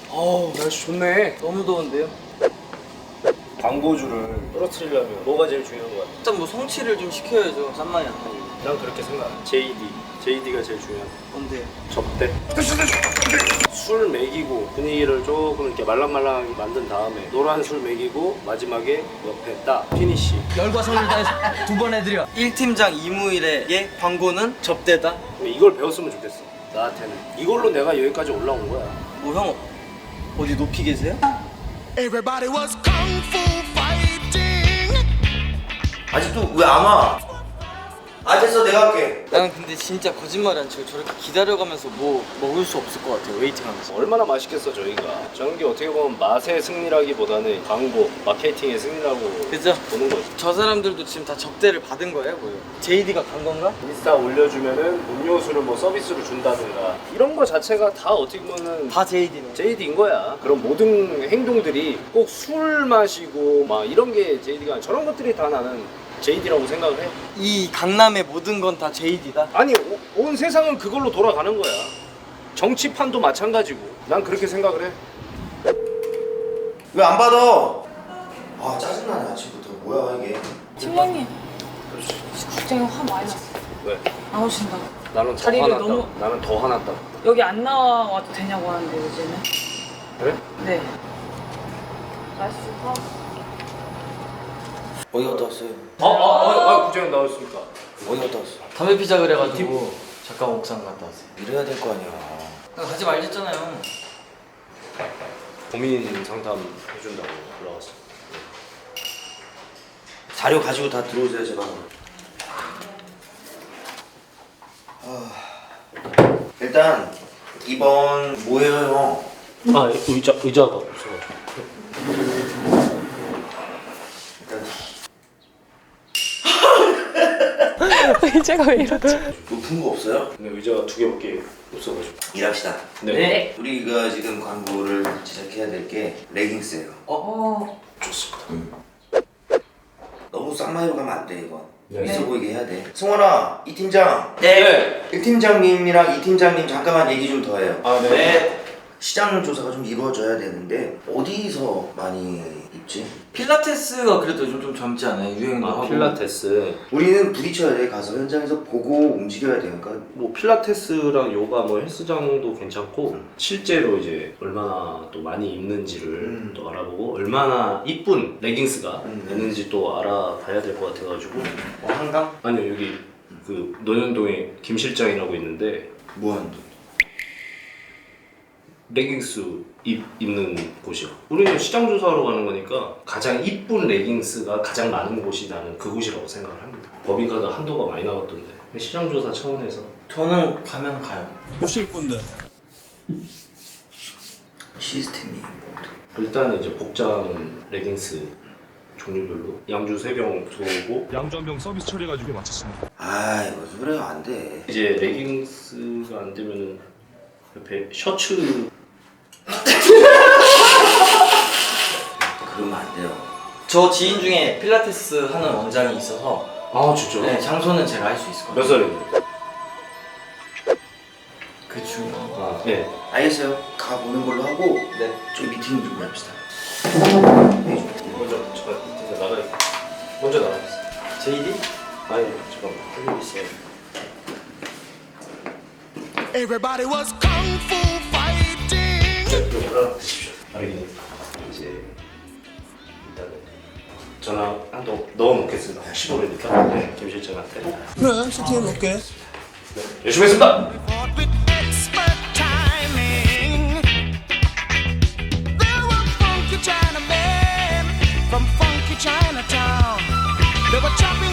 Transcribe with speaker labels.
Speaker 1: 어우 날씨 좋네.
Speaker 2: 너무 더운데요?
Speaker 1: 광고주를 떨어뜨리려면 뭐가 제일 중요한 것 같아?
Speaker 2: 일단 뭐 성취를 좀 시켜야죠. 짠맛이 안 나고.
Speaker 1: 난 그렇게 생각해. JD가 제일 중요한.
Speaker 2: 뭔데요?
Speaker 1: 접대. 술 먹이고 분위기를 조금 이렇게 말랑말랑하게 만든 다음에 노란 술 먹이고 마지막에 옆에 딱 피니쉬.
Speaker 2: 열과 성을 다해서 2번 해드려. 1팀장 이무일의 광고는 접대다.
Speaker 1: 이걸 배웠으면 좋겠어. 나한테는 이걸로 내가 여기까지 올라온 거야.
Speaker 2: 뭐 형 어디 높이 계세요?
Speaker 3: Everybody was kung fu fighting.
Speaker 4: 아직도 왜 안 와? 아 됐어 내가 할게.
Speaker 2: 나는 근데 진짜 거짓말 안 치고 저렇게 기다려가면서 뭐 먹을 수 없을 것 같아요. 웨이팅하면서.
Speaker 1: 얼마나 맛있겠어 저희가. 저런 게 어떻게 보면 맛의 승리라기보다는 광고, 마케팅의 승리라고
Speaker 2: 그죠?
Speaker 1: 보는 거지.
Speaker 2: 저 사람들도 지금 다 접대를 받은 거예요, 뭐요? JD가 간 건가?
Speaker 1: 인스타 올려주면은 음료수를 뭐 서비스로 준다든가 이런 거 자체가 다 어떻게 보면은
Speaker 2: 다 JD네.
Speaker 1: JD인 거야. 그런 모든 행동들이 꼭 술 마시고 막 이런 게 JD가 아니라 저런 것들이 다 나는 JD라고 생각을 해.
Speaker 2: 이 강남의 모든 건 다 JD다.
Speaker 1: 아니 온 세상은 그걸로 돌아가는 거야. 정치판도 마찬가지고 난 그렇게 생각을 해.
Speaker 4: 왜 안 받아? 아 짜증나네 아침부터. 뭐야 이게?
Speaker 5: 팀장님, 국장이 화 많이 났어.
Speaker 1: 왜?
Speaker 5: 안 오신다고.
Speaker 1: 나는 더
Speaker 5: 자리를
Speaker 1: 화났다.
Speaker 5: 너무-
Speaker 1: 나는 더 화났다.
Speaker 5: 여기 안 나와도 되냐고 하는데 요즘은.
Speaker 1: 그래?
Speaker 5: 네. 날씨 좋다.
Speaker 4: 어디 갔다 왔어요?
Speaker 1: 구장 나왔으니까.
Speaker 4: 어디 갔다 왔어?
Speaker 2: 담배 피자 그래가지고 잠깐 옥상 갔다 왔어요.
Speaker 4: 이래야 될 거 아니야.
Speaker 2: 가지 말랬잖아요.
Speaker 1: 고민 상담 해준다고 올라왔어.
Speaker 4: 자료 가지고 다 들어오세요 제발. 일단 이번 뭐예요 형?
Speaker 1: 아 의자가 없어가지고.
Speaker 5: 의자가 왜 이러지?
Speaker 4: 높은 거 없어요?
Speaker 1: 근데 의자가 2개밖에 없어가지고.
Speaker 4: 일합시다.
Speaker 1: 네.
Speaker 4: 우리가 지금 광고를 제작해야 될 게 레깅스예요.
Speaker 1: 좋습니다.
Speaker 4: 너무 쌍마이로 가면 안 돼 이건.
Speaker 1: 네.
Speaker 4: 있어 보이게 해야 돼. 승원아, 이 팀장.
Speaker 2: 네.
Speaker 4: 1팀장님이랑 2팀장님 잠깐만 얘기 좀 더 해요.
Speaker 1: 아 네.
Speaker 4: 시장 조사가 좀 이루어져야 되는데 어디서 많이 입지?
Speaker 2: 필라테스가 그래도 요즘 좀 젊지 않아요? 유행도 하고.
Speaker 1: 필라테스.
Speaker 4: 우리는 부딪혀야 돼. 가서 현장에서 보고 움직여야 되니까.
Speaker 1: 뭐 필라테스랑 요가 뭐 헬스장도 괜찮고 실제로 이제 얼마나 또 많이 입는지를 또 알아보고 얼마나 이쁜 레깅스가 있는지 또 알아봐야 될 것 같아가지고.
Speaker 4: 한강?
Speaker 1: 아니요 여기 그 논현동에 김 실장이라고 있는데
Speaker 4: 무한도.
Speaker 1: 레깅스 입는 곳이요. 우리는 시장 조사하러 가는 거니까 가장 이쁜 레깅스가 가장 많은 곳이 나는 그곳이라고 생각을 합니다. 법인카드 한도가 많이 나왔던데 시장 조사 차원에서.
Speaker 2: 저는 가면 가요.
Speaker 4: 시스템이.
Speaker 1: 일단은 이제 복장 레깅스 종류별로 양주 3병 들어오고
Speaker 6: 양주 한 병 서비스 처리해가지고 마쳤습니다.
Speaker 4: 아이 무슨 소리야 안 돼.
Speaker 1: 이제 레깅스가 안 되면은 옆에 셔츠.
Speaker 4: 그러면 안 돼요.
Speaker 2: 저 지인 중에 필라테스 하는 원장이 있어서
Speaker 1: 아 진짜?
Speaker 2: 네, 장소는 제가 할 수 있을 것
Speaker 1: 몇
Speaker 2: 같아요.
Speaker 1: 살인데?
Speaker 2: 그 중요.
Speaker 1: 아 네.
Speaker 4: 알겠어요. 가보는 걸로 하고
Speaker 2: 네.
Speaker 4: 저희 미팅 좀 합시다.
Speaker 1: 먼저 잠깐 이제 나가야. 먼저 나가겠어.
Speaker 2: JD?
Speaker 1: 아니 잠깐만 할 일 있어요.
Speaker 3: Everybody was kung fu fighting.
Speaker 1: 네, 올라가십시오. 알겠니? 이제 일단은 전화 한통 넣어놓겠습니다. 15회니까 네, 김 실장한테.
Speaker 3: 그래, 시티에 놓게.
Speaker 1: 네, 열심히 했습니다.
Speaker 3: Fought with expert timing. There were funky Chinamen from funky Chinatown. They were chopping